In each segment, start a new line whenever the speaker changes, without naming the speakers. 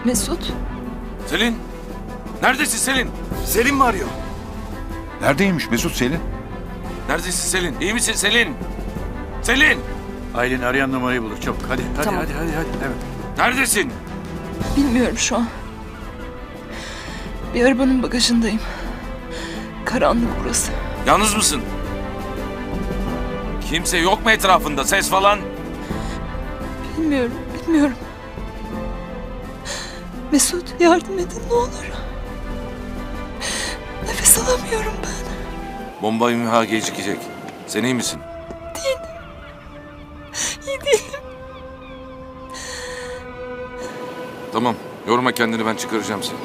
Mesut.
Selin! Neredesin Selin?
Selim mi arıyor?
Neredeymiş Mesut Selin?
Neredesin Selin? İyi misin Selin? Selin!
Aylin arayan numarayı bulur çabuk. Hadi
Tamam.
hadi. Evet.
Neredesin?
Bilmiyorum şu an. Bir arabanın bagajındayım. Karanlık burası.
Yalnız mısın? Kimse yok mu etrafında? Ses falan?
Bilmiyorum. Mesut yardım edin ne olur. Nefes alamıyorum ben.
Bomba imha gecikecek. Sen iyi misin?
İyi değilim.
Tamam. Yorma kendini, ben çıkaracağım seni.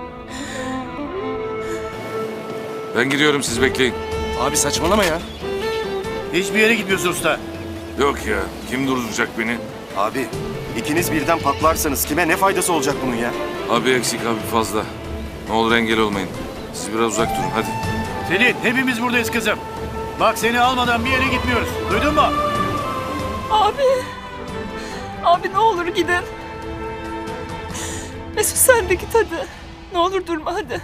Ben gidiyorum, siz bekleyin.
Abi saçmalama ya.
Hiçbir yere gitmiyorsun usta.
Yok ya, kim durduracak beni?
Abi ikiniz birden patlarsanız kime ne faydası olacak bunun ya?
Abi eksik, abi fazla. Ne olur engel olmayın. Siz biraz uzak durun, hadi.
Selin hepimiz buradayız kızım. Bak seni almadan bir yere gitmiyoruz. Duydun mu?
Abi. Abi ne olur gidin. Mesut sen de git hadi. Ne olur durma hadi.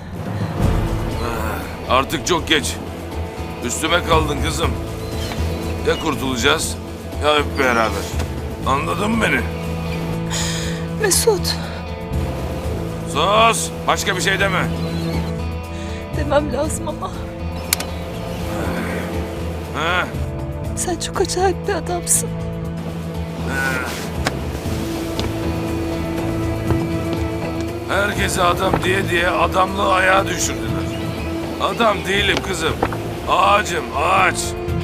Artık çok geç. Üstüme kaldın kızım. Ya kurtulacağız ya hep beraber. Anladın mı beni?
Mesut.
Sus! Başka bir şey deme.
Demem lazım ama.
Ha?
Sen çok acayip bir adamsın.
Herkese adam diye adamlığı ayağa düşürdüler. Adam değilim kızım. Ağacım, ağaç.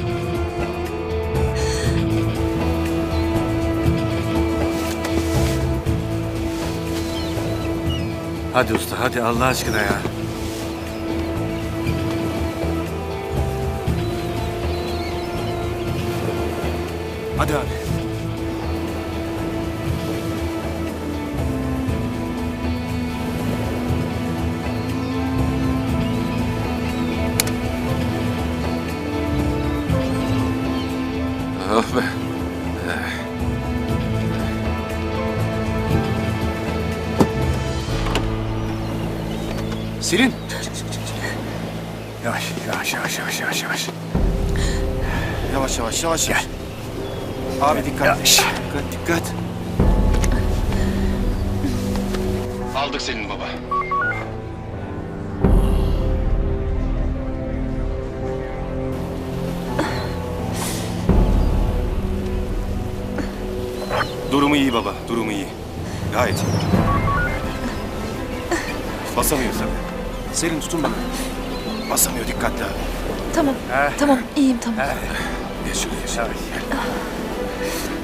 Hadi usta hadi Allah aşkına ya.
Hadi abi.
Oh be.
Selin.
Yavaş.
Yavaş. Gel. Abi dikkat. Dikkat.
Aldık senin baba.
Durumu iyi baba, durumu iyi. Gayet iyi. Basamıyor tabii. Selin tutun beni. Basamıyor, dikkatli abi.
Tamam. Tamam iyiyim tamam.
Geç şuraya.
Yavaş.